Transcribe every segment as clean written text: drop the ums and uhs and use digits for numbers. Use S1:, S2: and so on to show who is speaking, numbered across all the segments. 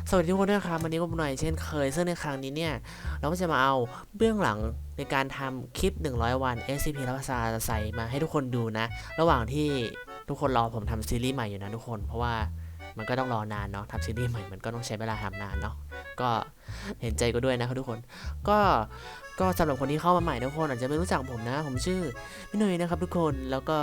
S1: สวัสดีทุกคนด้วยครับวันนี้ก็หน่อยเช่นเคยซึ่งในครั้งนี้เนี่ยเราก็จะมาเอาเบื้องหลังในการทำคลิป100วัน SCP รับภาษาใส่มาให้ทุกคนดูนะระหว่างที่ทุกคนรอผมทำซีรีส์ใหม่อยู่นะทุกคนเพราะว่ามันก็ต้องรอนานเนาะทำซีรีส์ใหม่มันก็ต้องใช้เวลาทำนานเนาะก็เห็นใจก็ด้วยนะครับทุกคนก็สำหรับคนที่เข้ามาใหม่ทุกคนอาจจะไม่รู้จักผมนะผมชื่อพี่หนุ่ยนะครับทุกคนแล้วก็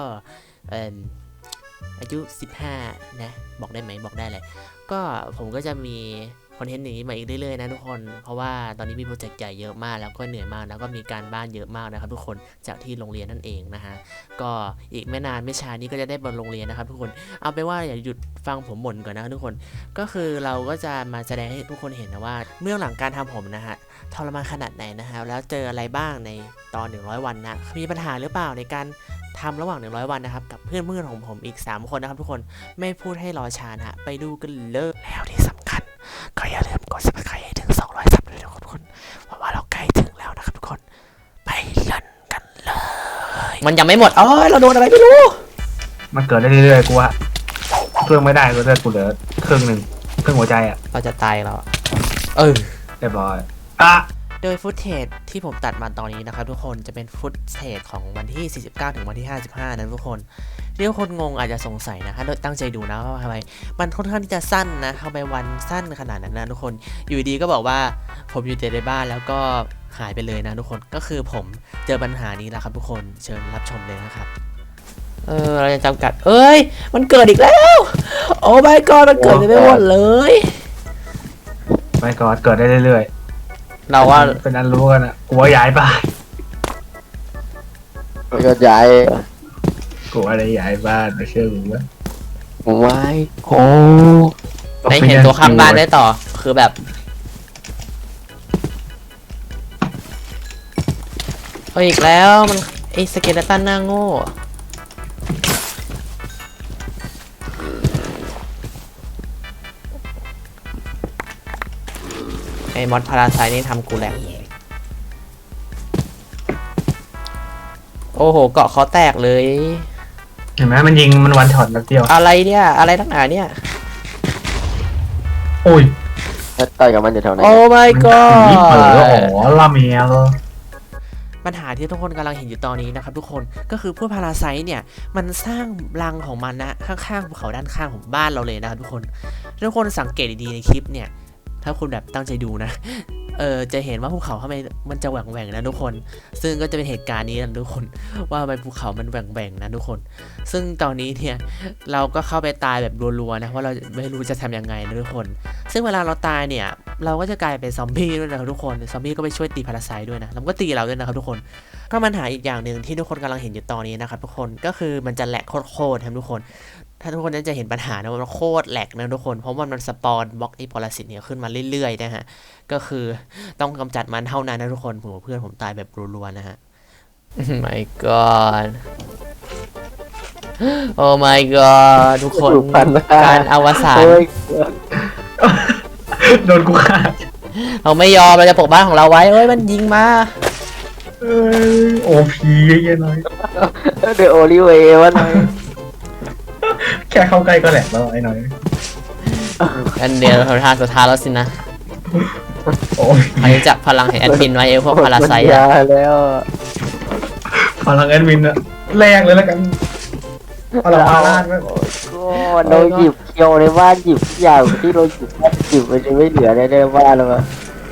S1: อายุ15นะบอกได้ไหมบอกได้เลยก็ผมก็จะมีคอนเทนต์นี้มาอีกเรื่อยๆนะทุกคนเพราะว่าตอนนี้มีโปรเจกต์ใหญ่เยอะมากแล้วก็เหนื่อยมากแล้วก็มีการบ้านเยอะมากนะครับทุกคนจากที่โรงเรียนนั่นเองนะฮะก็อีกไม่นานไม่ช้านี้ก็จะได้บนโรงเรียนนะครับทุกคนเอาไปว่าอย่าหยุดฟังผมบ่นก่อนนะทุกคนก็คือเราก็จะมาแสดงให้ทุกคนเห็นนะว่าเบื้องหลังการทำผมนะฮะทรมานขนาดไหนนะฮะแล้วเจออะไรบ้างในตอน100วันนะมีปัญหาหรือเปล่าในการทำระหว่าง100วันนะครับกับเพื่อนๆของผมอีก3คนนะครับทุกคนไม่พูดให้รอช้านะฮะไปดูกันเลยแล้วที่สำคัญก็อย่าลืมกด subscribe ให้ถึง200 ซับเลยทุกคนเพราะว่าเราใกล้ถึงแล้วนะครับทุกคนไปเล่นกันเลยมันยังไม่หมดเราโดนอะไรไม่รู้
S2: มันเกิดได้เรื่อยๆกูว่าเครื่องไม่ได้กูจะกูเหลือครึ่งหนึ่งครึ่งหัวใจอ่ะ
S1: เราจะตายแล้ว
S2: เรียบร้อย
S1: โดยฟุตเทจที่ผมตัดมาตอนนี้นะครับทุกคนจะเป็นฟุตเทจของวันที่49ถึงวันที่55นะทุกคนเรียกคนงงอาจจะสงสัยนะถ้าตั้งใจดูนะว่าทำไมมันค่อนข้างที่จะสั้นนะทำไมวันสั้นขนาดนั้นนะทุกคนอยู่ดีก็บอกว่าผมอยู่แต่ในบ้านแล้วก็หายไปเลยนะทุกคนก็คือผมเจอปัญหานี้แล้วครับทุกคนเชิญรับชมเลยนะครับเราจะจำกัดมันเกิดอีกแล้วโอ้ my god มันเกิดไปหมดเลย
S2: ไม่ก็เกิดได้เรื่อย
S1: ๆเราว่า
S2: เป็นอันรู้กันอ่ะกูว่าย้ายบ้าน
S3: ก็ย้าย
S2: กูว่าได้ย้ายบ้านไม่เชื่อกูว่า
S3: ไม่โอ้
S1: ได้เห็นตัวข้างบ้านได้ต่อคือแบบอีกแล้วมันไอสเกเลตันหน้าโง่ไอมอสพาราไซนี่ทำกูแหลกโอ้โหเกาะเขาแตกเลย
S2: เห็นไหมมันยิงมันวันช็อตแล้วเดียว
S1: อะไรเนี่ยอะไรทั้งหนาเนี่ย
S2: โอ้ย
S3: ต่อยกับมันอยู่แถวไหน
S1: โอ้ my god
S2: ลาเมีย
S1: ปัญหาที่ทุกคนกำลังเห็นอยู่ตอนนี้นะครับทุกคนก็คือพวกพาราไซต์เนี่ยมันสร้างรังของมันนะข้างๆภูเขาด้านข้างของบ้านเราเลยนะครับทุกคนสังเกตดีๆในคลิปเนี่ยถ้าคุณแบบตั้งใจดูนะจะเห็นว่าภูเขาทำไมมันจะแหว่งๆนะทุกคนซึ่งก็จะเป็นเหตุการณ์นี้นะทุกคนว่าทำไมภูเขามันแหว่งๆนะทุกคนซึ่งตอนนี้เนี่ยเราก็เข้าไปตายแบบรัวๆนะเพราะเราไม่รู้จะทำยังไงนะทุกคนซึ่งเวลาเราตายเนี่ยเราก็จะกลายเป็นซอมบี้ด้วยนะครับทุกคนซอมบี้ก็ไปช่วยตีพาราไซต์ด้วยนะแล้วก็ตีเราด้วยนะครับทุกคนก็ปัญหาอีกอย่างหนึ่งที่ทุกคนกำลังเห็นอยู่ตอนนี้นะครับทุกคนก็คือมันจะแหลกโคตรๆครับทุกคนถ้าทุกคนนั้นจะเห็นปัญหานะมันโคตรแหลกนะทุกคนเพราะว่ามันสปอนบล็อกไอ้พอลาซิตเนี่ยขึ้นมาเรื่อยๆนะฮะก็คือต้องกำจัดมันเท่านั้นนะทุกคนผมกับเพื่อนผมตายแบบรัวๆนะฮะ my god โอ้ my god ทุกคนการอวสาน
S2: โดนกูฆ่า
S1: เราไม่ยอมเราจะปกบ้านของเราไว้มันยิงมา
S2: โอพีเยอะๆหน่อย
S3: เดี๋ยวโอลิเววะหน่อย
S2: แค่เข้าใกล้ก็แหลกแล้วไอ้หน่อย
S1: อันเดียวเราทานสุดท้ายแล้วสินะใครจับพลังแห่งแอดมินไว้พวกพาราไซต์
S3: แล้ว
S2: พลังแอดมินอะแรงเลยแล้วกันพลังอาราดก็
S3: เราหยิบเคียวในบ้านหยิบอย่างที่เราหยิบมันจะไม่เหลือในบ้านแล้วมั้ง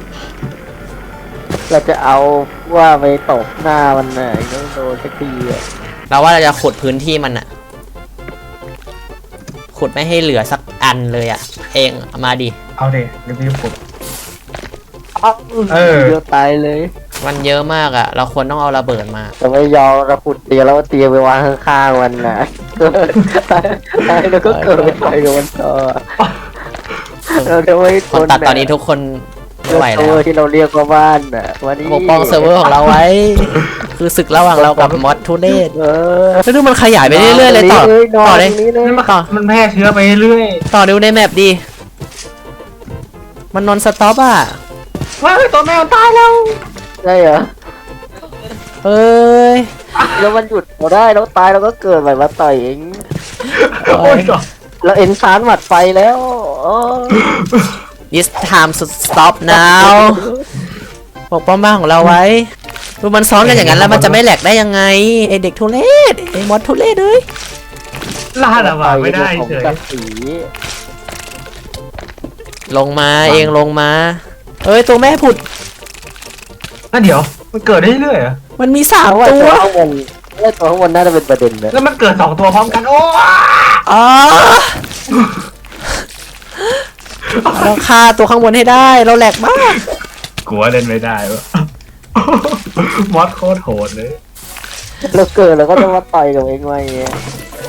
S3: เราจะเอาว่าไปตบหน้ามันน่ะต้องโดนสักทีอ่ะ
S1: เราว่าเราจะขุดพื้นที่มันอะขุดไม่ให้เหลือสักอันเลยอะเองมาดิ
S2: เอาเดี๋ยวพี่ขุด
S3: เยอะตายเลย
S1: มันเยอะมากอะเราควรต้องเอาระเบิดมา
S3: แต่ไม่ยอมเราขุดเตียงแล้วเตียงไปวางข้างๆมันนะเกิดแล้วก็เกิดไปกับมันต่อเราจะไม่
S1: คนตัดตอนนี้ทุกคนไม่ไหวแล้ว
S3: ที่เราเรียกว่าบ้านน่ะวันนี้
S1: ปกป้องเซิร์ฟเวอร์ของเราไว้คือศึกระหว่างเรากับมอสทูเนสแล้วดูมันขยายไปเรื่อยๆเลยต่อเลย
S2: ต่อมันแพร่เชื้อไปเรื่อย
S1: ต่อดูในแมปดิมันนอนสต็อปอ่ะ
S2: ว้าวตัวแมวตายแล้ว
S3: ใช่เหรอแล้วมันหยุดเราได้แล้วตายเราก็เกิดใหม่มาต่อยเองเราเอ็นซานหมัดไฟแล้ว
S1: It's time to stop now ปกป้องบ้านของเราไว้ดูมันซ้อนกันอย่างนั้นแล้วมันจะไม่แหลกได้ยังไงไอเด็กทุเรศไอมอสทุเรศเลย
S2: ล่าละว่าไม่ได้
S3: ของ
S2: เฉย
S3: กับสี
S1: ลงมาเองลงมาเอ้ยตัวแม่ผุด
S2: นั่นเดี๋ยวมันเกิดได้เรื่อยๆเหรอ
S1: มันมีสาม
S3: เพราะว่า
S1: ตั
S3: ตัว วข้างบนตัวข้างบนน่าจะเป็นประเด็นนะ
S2: แล้วมันเกิด2 ตัวพร้อมกันโอ้
S1: อ๋อเราฆ่าตัวข้างบนให้ได้เราแหลกมาก
S2: กลัวเล่นไม่ได้วะมอสโคตรโหดเลย
S3: เราเกิดเราก็ต้องมาต่อยกับเองไว้เงี้ย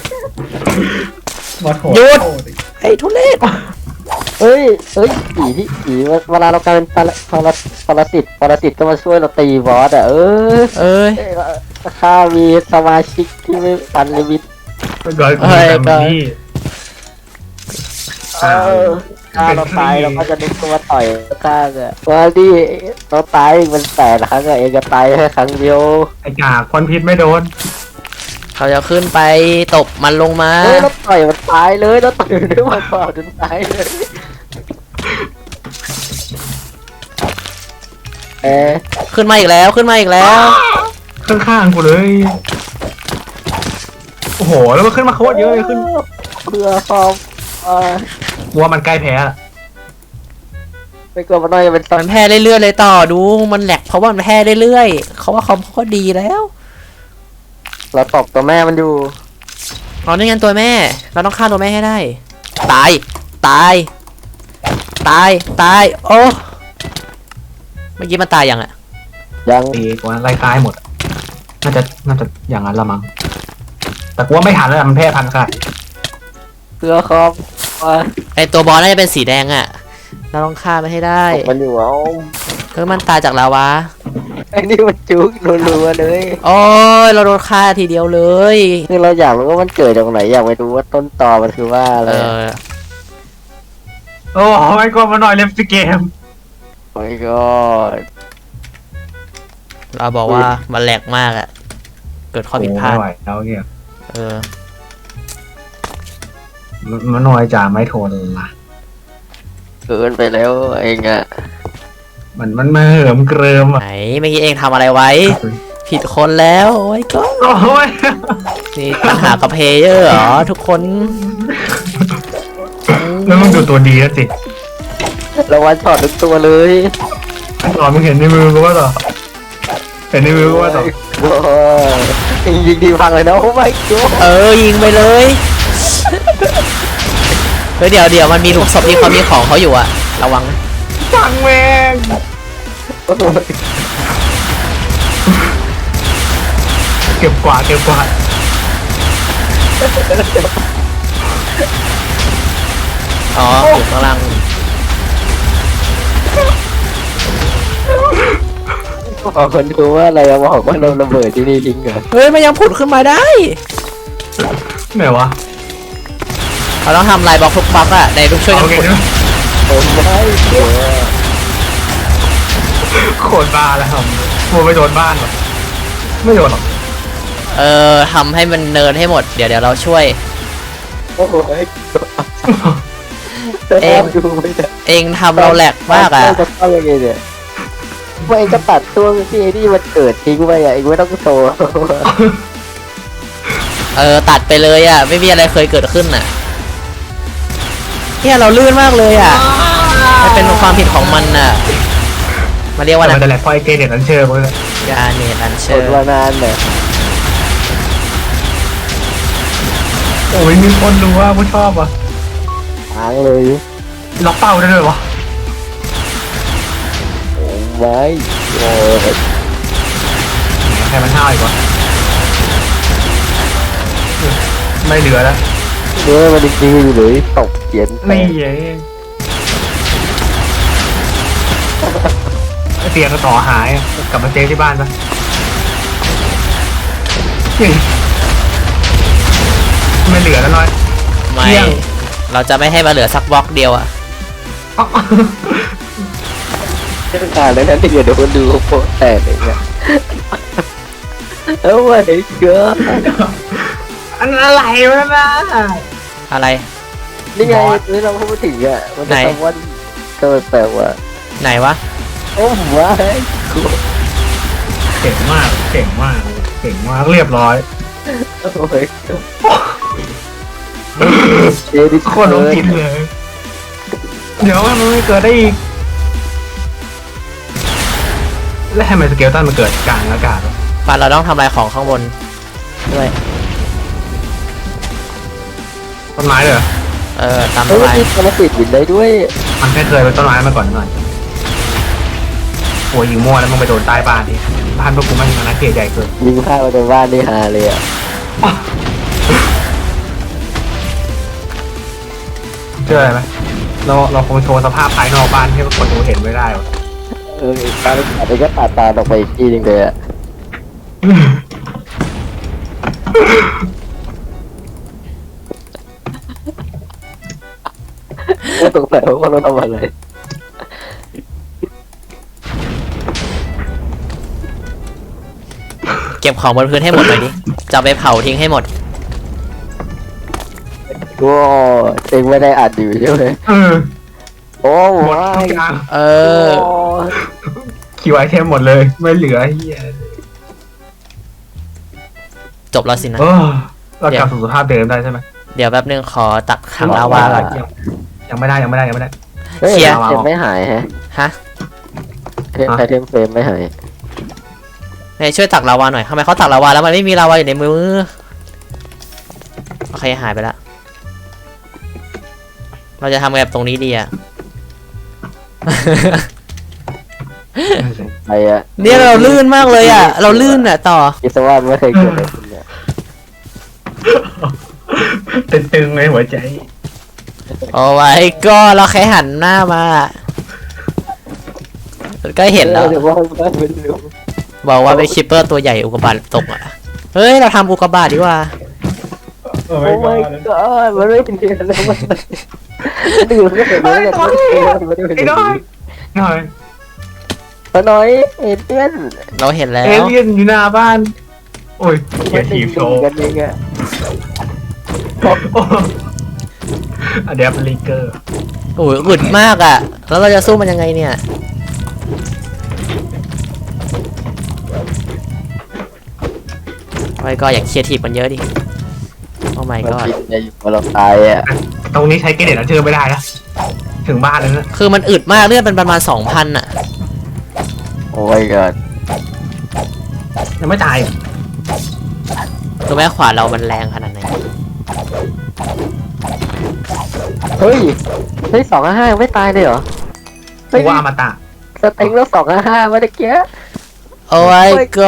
S2: มอสโหด
S1: หยุด
S2: โคตร
S1: ไอ้ทุเรศ
S3: เฮ้ยผีเวลาเรากลายเป็นปรสิตก็มาช่วยเราตีบอสอ่ะ
S1: เอ้ย
S3: ข้ามีสมาชิกที่ไม่ปันลิมิต
S2: มันก่อนกูแต่มันนี่
S3: ถ้าเราตายเราก็จะนึกว่าต่อยข้างอ่ะว่าดิเราตายมัน8 ครั้งอะเองก็ตายแค่ครั้งเดียว
S2: ไอ้กากควันพิษไม่โดน
S1: เขาจะขึ้นไปตบมันลงมา
S3: เฮ้ยเราต่อยมันตายเลยเราต่อยด้วยมันเปล่าจนตายเลย
S1: ขึ้นมาอีกแล้วขึ้นมาอีกแล้ว
S2: ข้างๆกูเลย โอ้โห แล้วมันขึ้นมาโคตรเยอะเลยขึ้น
S3: เพื่อความ
S2: กลัวมันใกล้แพ้ละ
S3: ไม่กลัวมันน้อยจะเป็นตอน
S1: มันแพ้เรื่อยๆเลยต่อดูมันแหลกเพราะว่ามันแพ้เรื่อยๆเขาว่าคอมเขาก็ดีแล้ว
S3: เราตบตัวแม่มันอยู่
S1: เรานี่งั้นตัวแม่เราต้องฆ่าตัวแม่ให้ได้ ตายตายตายตายโอ้เมื่อกี้มันตายยังอะ
S3: ยัง
S2: ตีกว่าไล่คล้ายหมด น่าจะอย่างนั้นละมั้ง แต่กูว่าไม่ทันแล้วมันแพ้พันธุ์ค่ะ
S3: เพื่อความ
S1: ไอตัวบอลน่าจะเป็นสีแดงอะเราต้องฆ่ามันให้ได้
S3: ตบมันอยู่เอา
S1: เพื่อมันตายจากลาวา
S3: ไอ้นี่มันจุกรัวๆเลย
S1: โอ้ยเราโดนฆ่าทีเดียวเลย
S3: คือเราอยากรู้ว่ามันเกิดจากไหนอยากไปดูว่าต้นตอมันคือว่าอะไร
S2: โอ้ไม่กลัวมันหน่อยเล่นสเกม
S3: โอ้ยก็
S1: เราบอกว่ามันแหลกมากอะเกิดข้อผิดพลาด
S2: ไม่ไหวแล้วเนี่ย
S1: เออ
S2: มันหน่อยจ่าไม่โทนละ
S3: เกินไปแล้วเองอะ
S2: มันมาเหิมเกริม
S1: ไหน
S2: อ่ะ
S1: เมื่อกี้เองทำอะไรไว้ ผิดคนแล้วโอ้ยก็
S2: โอ้ย
S1: นี่ปัญหากับเพลเยอร์เหรอทุกคน
S2: แล้วมึงดูตัวดีแล้วสิ
S3: เราวันช็อตทุกตัวเลย
S2: ต่อมึงเห็นในมือกูว่าต่อเห็นในมือกูว่าต่อ
S3: โอ้ยยิงดีพังเลยนะโอ้ไม่ก็
S1: ยิงไปเลยเฮ้ยเดี๋ยวมันมีหลุมศพที่เขามีของเขาอยู่อะระวังนะ
S2: ฟังแม่งเก็บกวาด
S1: อ๋ออยู่ข้างล่าง
S3: บอกคนดูว่าอะไรอะบอกว่าเราระเบิดที่นี่ทิ้งเหรอ
S1: เฮ้ยมันยังผุดขึ้นมาได้
S2: ไหนวะ
S1: เราต้องทำลายบล็อกทุกบล็อกอะในทุกช่วยกั
S2: โอน เค
S1: ขุด
S2: ใช่ไหม
S3: ผมไม่เชื่อ
S2: โคตรบ้าแล้วครับกลัวไปโดนบ้านหรอไม่โดนหรอก
S1: ทำให้มันเนินให้หมดเดี๋ยวเราช่วย
S3: โอ้ย
S1: เอง
S3: ดูไม่ได้
S1: เองทำเราแหลกมากอะ
S3: จะเข้ายังไงเนี่ยว่าเองก็ตัดช่วงที่ไอ้นี่มันเกิดทิ้งไปอะเองไม่ต้องโชว์
S1: ตัดไปเลยอะไม่มีอะไรเคยเกิดขึ้นอะเนี่ยเราลื่นมากเลยอะมันเป็นความผิดของมันอะมาเรียกว่า
S2: มัน
S1: นะ
S2: จะแหลกพอไอเกเด็ดอันเชิญกูเลย
S1: ยาเนตอันเช
S3: ก
S1: อ
S3: ด
S1: ร์
S3: มานานเนี่ย
S2: โอ้ยมีคนดูว่าผู้ชอบอ่ะ
S3: ค้างเลย
S2: ล็อกเป้าได้เลยวะ
S3: ไม่โอ้ย
S2: ใครมันห้าวอีกวะไม่เหลือแล้ว
S3: เนื้อมันจริงๆอยู่เลยตกเขียน
S2: นี่ไงเตียงก็ต่อหายกลับมาเซฟที่บ้านปะไม่เหลือแล้วน้อย
S1: ไม่
S2: เที่ยง
S1: เราจะไม่ให้มาเหลือสักบล็อกเดียวอะ
S3: ไม่ต้องการเลยนะที่เดี๋ยวคนดูโป๊ะแตกเลยเนี่ยเอ้าไอ้เกือ
S2: อันอะไรวะนะ
S1: อะไร
S3: นี่ไง
S2: บอส
S3: นี่เราพูดถึงอ่ะมันจะ
S1: ไหน
S3: ทำว่าตัวแปลกว่ะ
S1: ไหนวะ
S3: โอ้ว้าย
S2: เก่งมากเก่งมากเก่งมากเรียบร้อย
S3: โอ้ยเอดิ
S2: โคตรลงกินเลย เดี๋ยวมันไม่เกิดได้อีกแล้วทำไมสเกลตันมันเกิดกลางอากาศวะ
S1: ปันเราต้องทำลายของข้างบนด้วย
S2: ต้นไม้เลยเหรอ
S1: ตาม
S3: เฮ้ย
S1: ทำลาย
S3: มีกระติดบินได้ด้วย
S2: มันแค่เคยเป็นต้นไม้มาก่อนหน่อยโอ้ยยิงมั่วแล้วมึงไปโดนใต้บ้านดิบ้านพวกกูมันอาณาเขตใหญ่เกิน
S3: ยิงข้าวในบ้านนี่ฮาเลยอ่ะ
S2: เชื่ออะไรไหมเราคงโชว์สภาพภายนอกบ้านให้คนดูเห็นไม่ได้วะ
S3: ตาอาจจะก็ตัดตาออกไปอีกทีนึงเลยอ่ะก็ตกใจว่าเราทำอะไร
S1: เก็บของบนพื้นให้หมดหน่อยดิจะเอาไปเผาทิ้งให้หมด
S3: ก็เองไม่ได้อัดอยู่ใช่ไหม โอ้
S2: หมด
S3: ว้า
S2: ทุ
S3: ย
S2: กอย่าง
S1: เออ
S2: คิวไอเทมหมดเลยไม่เหลือเฮีย
S1: จบแล้วสินะ
S2: เรากลับสู่สภาพเดิมได้ใช่ไหม
S1: เดี๋ยวแป๊บนึงขอตักถังลาวาก่อน
S2: ยังไม่ได้
S3: เฮ้ย
S1: เคลียร์
S3: เทมไม่หายฮะ
S1: ฮะ
S3: ไอเทมเฟรมไม่หาย
S1: ไหนช่วยตักลาวาหน่อยทำไมเขาตักลาวาแล้วมันไม่มีลาวาอยู่ในมือโอเคหายไปละเราจะทำไงกับตรงนี้ดีอะ
S3: ไอ้อะ
S1: เนี่ยเราลื่นมากเลยอะเราลื่นอะต่อ
S3: คิดซะว่าไม่เคยเกิดอะไรขึ้นเนี่ย
S2: ตึงๆในหัวใจ
S1: โอ้ยก็เราแค่หันหน้ามาก็เห็นแล้ว
S3: เดี๋ยวว่าไม่รู้
S1: บอกว่าเป็นคิปเปอร์ตัวใหญ่อุกกาบาตตกอะเฮ้ยเราทำอุกกาบาตดีกว่า
S2: โอ้
S3: โอ้ my god มันไม่เป็นเดือนเลยมันดื่มก็เสร็จแล้วเนี่ยมันไม่เป็น
S2: ไอ้
S3: เดือน
S2: น้อยหน่อย
S3: ป้าน้อยเอเลี่ยน
S1: เราเห็นแล้
S2: เอ
S1: ว
S2: เลี่ยนอยู่หน้าบ้าน โอ้ยเกียร์ทีมโชว์
S3: กันเองอะ
S2: อะเดี๋ยวเป็นลีเกอร์
S1: โอ้ยอึดมากอะแล้วเราจะสู้มันยังไงเนี่ยโอ้ยก็อย่าเคลียร์ทีบมันเยอะดิโอ้ my
S3: มัน
S1: god
S3: กินในอยู่เราตายอะ
S2: ตรงนี้ใช้เกเรตอันเชิญไม่ได้นะถึงบ้านแล้วนะ
S1: คือมันอึดมากเลือดเป็นประมาณ 2,000อะ
S3: โอ้ my god
S2: ยังไม่ตายอ่ะ
S1: ตัวแม่ขวานเรามันแรงขนาดไหน
S3: เฮ้ย255ยังไม่ตายเลยเหรอ
S2: กูว่าอมตะ
S3: สเต็งแล้ว255เมื่อกี้
S1: โอ้ my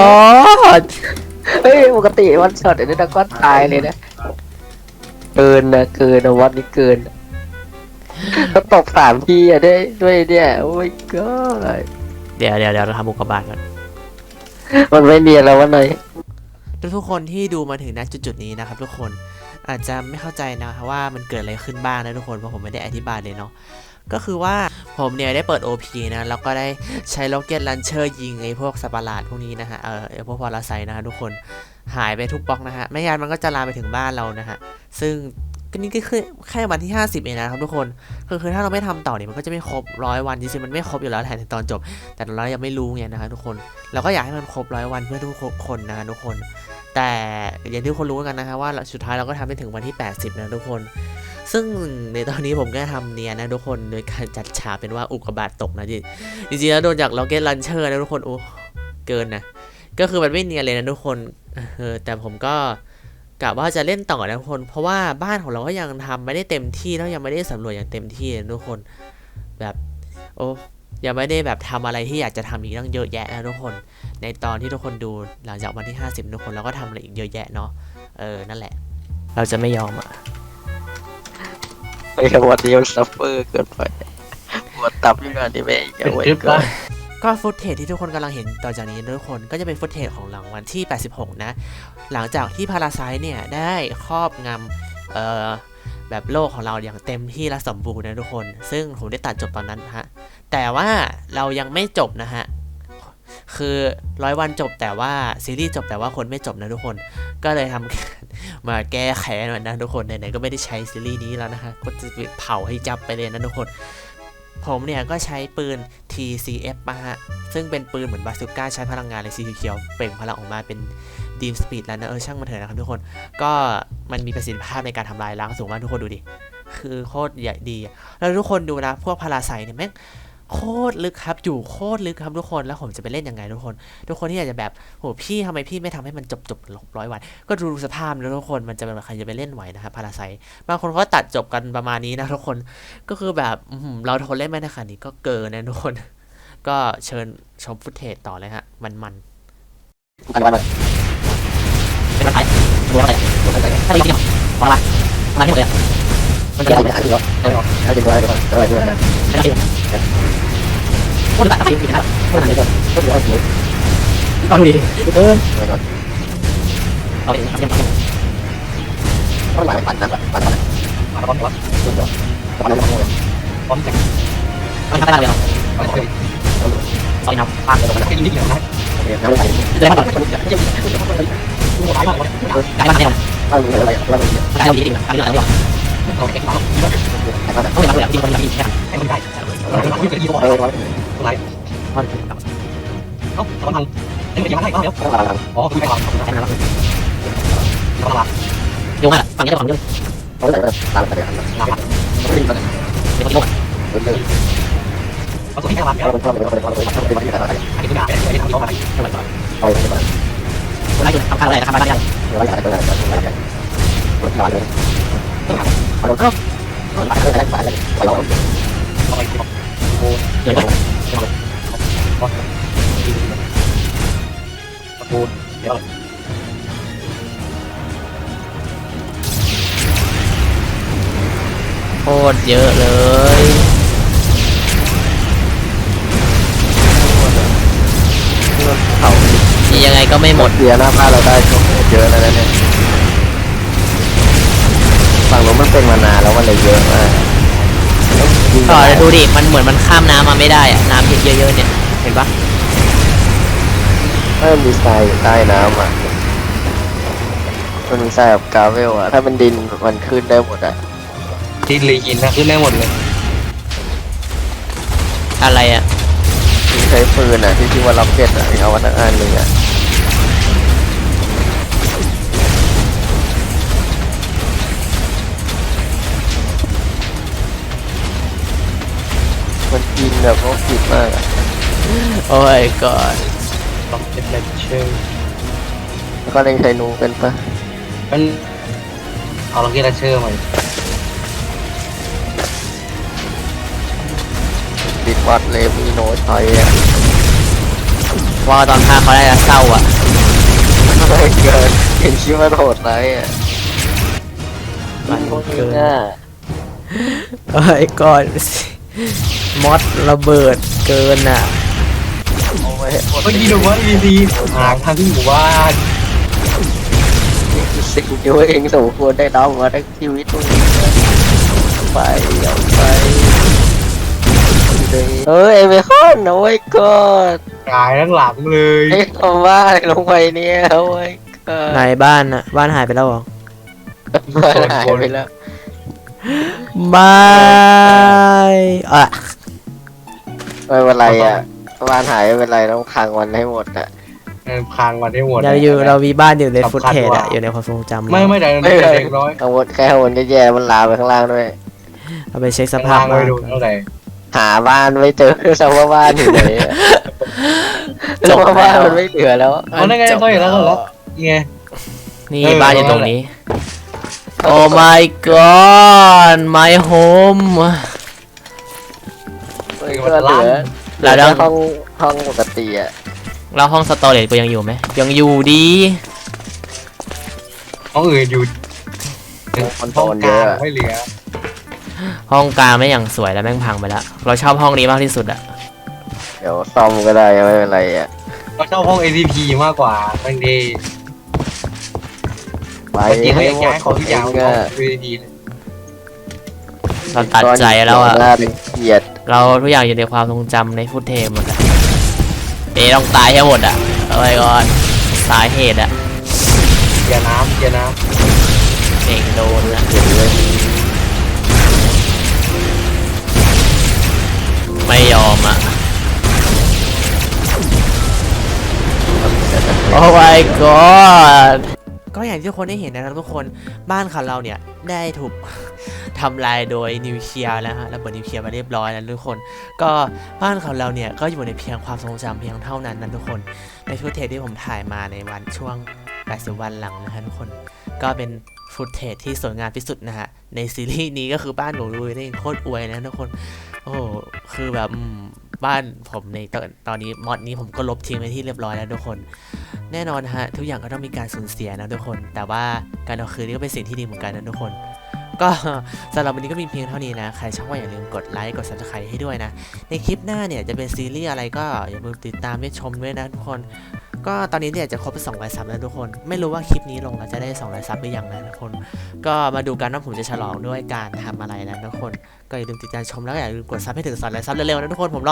S1: god
S3: เฮ้ยปกติวันช็อตเดี๋ยวนี้ก็ตายเลยนะเกินนะวันนี้เกินก็ตก3 ทีอะด้วยเนี่ยโอ้ my god
S1: เดี๋ยวเราทำอุกกาบาตก่อน
S3: มันไม่เนียนแล้ววันไหน
S1: ทุกคนที่ดูมาถึงณจุดๆนี้นะครับทุกคนอาจจะไม่เข้าใจนะครับว่ามันเกิดอะไรขึ้นบ้างนะทุกคนเพราะผมไม่ได้อธิบายเลยเนาะก็คือว่าผมเนี่ยได้เปิด OP นะแล้วก็ได้ใช้ล็อกเก็ตลันเชอร์ยิงไอ้พวกสัตว์ประหลาดพวกนี้นะฮะไอ้พวกพาราไซต์นะฮะทุกคนหายไปทุกบล็อกนะฮะไม่งั้นมันก็จะลามไปถึงบ้านเรานะฮะซึ่งก็นี่ก็คือแค่วันที่50เองนะครับทุกคนคือถ้าเราไม่ทำต่อเนี่ยมันก็จะไม่ครบ100 วันจริงๆมันไม่ครบอยู่แล้วแหละในตอนจบแต่เรายังไม่รู้ไงนะฮะทุกคนเราก็อยากให้มันครบ100 วันเพื่อทุกคนนะฮะทุกคนแต่อย่างที่ทุกคนรู้กันนะฮะว่าสุดท้ายเราก็ทำได้ถึงวันที่80นะทุกคนซึ่งในตอนนี้ผมก็ทำเนียนนะทุกคนโดยการจัดฉากเป็นว่าอุกกาบาตตกนะจริงๆแล้วโดนจากล็อกเก็ตลันเชอร์นะทุกคนโอ้เกินนะก็คือมันไม่เนียนเลยนะทุกคนแต่ผมก็กะว่าจะเล่นต่อนะทุกคนเพราะว่าบ้านของเราก็ยังทำไม่ได้เต็มที่แล้วยังไม่ได้สำรวจอย่างเต็มที่นะทุกคนแบบโอ้ยังไม่ได้แบบทำอะไรที่อยากจะทำอีกตั้งเยอะแยะนะทุกคนในตอนที่ทุกคนดูหลังจากวันที่50ทุกคนเราก็ทำอะไรอีกเยอะแยะเนาะนั่นแหละเราจะไม่ยอมอ่ะ
S3: ไอ้วันนี้มันซัฟเฟอร์เกินไปปวดตับอยู่งานนี้แม่งเอาไว้ก่อน
S1: ก็ฟุตเทจที่ทุกคนกำลังเห็นต่อจากนี้ทุกคนก็จะเป็นฟุตเทจของหลังวันที่86นะหลังจากที่พาราไซต์เนี่ยได้ครอบงำแบบโลกของเราอย่างเต็มที่และสมบูรณ์นะทุกคนซึ่งผมได้ตัดจบตอนนั้นฮะแต่ว่าเรายังไม่จบนะฮะคือ100 วันจบแต่ว่าซีรีส์จบแต่ว่าคนไม่จบนะทุกคนก็เลยทำ มาแก้แค้นมันนะทุกคนไหนๆก็ไม่ได้ใช้ซีรีส์นี้แล้วนะฮะก็จะเผาให้จับไปเลยนะทุกคนผมเนี่ยก็ใช้ปืน TCF มาฮะซึ่งเป็นปืนเหมือนบาซูก้าใช้พลังงานเลยสีเขียวเปล่งพลังออกมาเป็นดีมสปีดแล้วนะช่างมันเถอะนะครับทุกคนก็มันมีประสิทธิภาพในการทำลายล้างสูงมากทุกคนดูดิคือโคตรใหญ่ดีแล้วทุกคนดูนะพวกพาราไซเนี่ยแม่งโคตรลึกครับอยู่โคตรลึกครับทุกคนแล้วผมจะไปเล่นยังไงทุกคนที่อยากจะแบบโหพี่ทำไมพี่ไม่ทำให้มันจบ100 วันก็ดูสภาพแล้วทุกคนมันจะเป็นใครจะไปเล่นไหวนะครับพาราไซบางคนก็ตัดจบกันประมาณนี้นะทุกคนก็คือแบบเราทนเล่นไม่ได้ขนาดนี้ก็เกินนะทุกคนก็เชิญชมฟุตเทจต่อเลยฮะมัน
S3: เป็นอะไรตัวอะไรถ้าจริงๆของอะไรมาที่หมดเลยมันจะเป็นอะไรถ้าจริงๆอะไรพูดแบบจริงๆนะพูดอะไรกันพูดอะไรกันเอาดิเอาดิทำยังไงต้องหลายปั่นนะปั่นปั่นปั่นปั่นปั่นปั่นทำได้เลยเอาดิน้ำปั่นเลยนิดเดียวนะน้ำไหลเลยปั่นไก่มาเนี่ยอะไรไก่เราดีดีไก่เราดีโอเคเขาไม่มาเลยจริงคนดีแค่ให้คนได้ไม่เคยดีกว่าอะไรเขาทำนี่มันยังไงก็เดี๋ยวอ๋อคุยไปก่อนโยงอ่ะฝั่งนี้จะฝั่งนี้เขาเลยตามไปเลยเดี๋ยวเขาโยงเขาส่งให้แค่วันเดียวเขาเป็นที่ไหนอันนี้คือด่าไม่ได้ทำย้อนไปเท่าไหร่เอาไปก่อนคนไหนทำอะไรทำอะไรอะไรอะไรรถมาเลยเอารถเข้าไปเลยไปเลยไปเลยโอ้เดี๋ยวปูนเดี๋ยว
S1: โคตรเยอะเลย
S3: เขา
S1: ยังไงก็ไม่หมด
S3: เสียหน้าบ้านเราได้ช่วงเยอะแล้วเนี่ยฝั่งนู้นมันเป็นมานานแล้วมันเลยเยอะมาก
S1: ต่อเลยดูดิมันเหมือนมันข้ามน้ำมาไม่ได้อะน้ำเยอะๆเนี่ยเห็นปะ
S3: ถ้ามันมีทรายอยู่ใต้น้ำอ่ะมันมีทรายกับกราเวลอ่ะถ้าเป็นดินมันขึ้นได้หมดอ่ะ
S2: ดินเลยหินนะขึ้นได้หมดเลย
S1: อะไรอ่ะ
S3: ใช้ปืนอ่ะที่ชื่อว่าล็อกเก็ตอ่ะเอาวันอันหนึ่งอ่ะมันกินแบบโคตรผิดมากอ่ะ
S1: โอ้ยก่อน
S2: ล็อกเก็ตเลนเชอร์
S3: แล้วก็เล่นใช้นูกันปะ
S2: มันเอาล็อกเก็ตเลนเชอร์มา
S3: ดิดวัดเลมีโนไทยอ่ะ
S1: ว่าตอนพาเขาได้เศร้าอ่ะ
S3: ไม่เกินเห็นชื่อว่าโหดไรอ่ะ
S1: มันเกิน
S3: โอ้
S1: ยก่อนมอสระเบิดเกินอ่ะ
S2: เมื่อกี้ดูว่าดีหางทางที่หมู่บ้าน
S3: สิ่งที่เองสมควรได้รับมาทั้งชีวิตไปเอาไปเฮ้ยไอ้เบคอนโอ้ยก็
S2: กายทั้งหลังเลย
S3: ไอ้คำว่าลงไปเนี่ยโอ้ยก็
S1: ไหนบ้านอ่ะบ้านหายไปแล้วหรอ
S3: บ้านหายไปแล้ว
S1: ไม่
S3: ไม่เป็นไรอ่ะบ้านหายไม่เป็นไรต้องพังวันให้หมดอ่ะ
S2: พังวันให้หมด
S1: เรามีบ้านอยู่ในฟุตเทจอ่ะอยู่ในความทรงจำ
S2: ไม่ได้เด็กน้อย
S3: ทั้งหมดแค่วนแย่ๆมันลามไปข้างล่างด้วย
S1: เอาไปเช็คสภาพ
S2: บ้านเท่าไหร่
S3: หาบ้านไม่เจอสภาพบ้านอยู่ไหนสภาพบ้านมันไม่เหลือแล้ว
S2: อ๋อนั่นไงก็อยู่แล้วไง
S1: นี่บ้านอยู่ตรงนี้โอ้ my god my home
S3: ก็เหลือแล้วห้องปกติอ่ะ
S1: แล้วห้องสตอเรจก็ยังอยู่ไหมยังอยู่ดี
S2: ห้องอื่นอยู่ห้องกลางไม่เหลือ
S1: ห้องกลางไม่อย่างสวยแล้วแม่งพังไปแล้วเราชอบห้องนี้มากที่สุดอะ
S3: เดี๋ยวซ่อมก็ได้ไม่เป็นไรอะ
S2: เราชอบห้อง ATP มากกว่าบางที
S3: ไปให้หมด
S2: ของทุกอย่างก็ ATP
S1: เราตัดใจแล้วอะ
S3: เกลียด
S1: เราทุกอย่างอยู่ในความทรงจำในฟุตเทจหมดอะต้องตายให้หมดอะเอาไว้ก่อนสาเหตุอะ
S2: อย่าน้ำ
S1: เองโดนนะไม่ยอมอ่ะ โอ้ my god ก็อย่างที่ทุกคนได้เห็นนะครับทุกคนบ้านของเราเนี่ยได้ถูก ทำลายโดยนิวเคลียร์แล้วฮะระเบิดนิวเคลียร์มาเรียบร้อยแล้วทุกคน ก็บ้านของเราเนี่ยก็อยู่ในเพียงความทรงจำเพียงเท่านั้นนะทุกคนในฟุตเทจที่ผมถ่ายมาในวันช่วง80วันหลังนะฮะทุกคนก็เป็นฟุตเทจที่สวยงามที่สุดนะฮะในซีรีส์นี้ก็คือบ้านของลุยนี่โคตรอวยนะทุกคนโอ้โหคือแบบบ้านผมในตอนนี้มอดนี้ผมก็ลบทิ้งไปที่เรียบร้อยแล้วทุกคน แน่นอนฮะทุกอย่างก็ต้องมีการสูญเสียนะทุกคน แต่ว่าการเอาคืนนี่ก็เป็นสิ่งที่ดีเหมือนกันนะทุกคน ก็สำหรับวันนี้ก็มีเพียงเท่านี้นะใครชอบก็อย่าลืมกดไลค์กด subscribe ให้ด้วยนะในคลิปหน้าเนี่ยจะเป็นซีรีส์อะไรก็อย่าลืมติดตามและชมด้วยนะทุกคน ก็ตอนนี้เนี่ยจะครบไป200 ซับแล้วทุกคนไม่รู้ว่าคลิปนี้ลงแล้วจะได้200 ซับหรือยังนะทุกคน ก็มาดูกันว่าผมจะฉลองด้วยการทำอะไรนะทุกคนก็อย่าลืมติดตามชมแล้วก็อย่าลืมกดซับให้ถึง200 ซับเร็วๆนะทุกคนผมรอ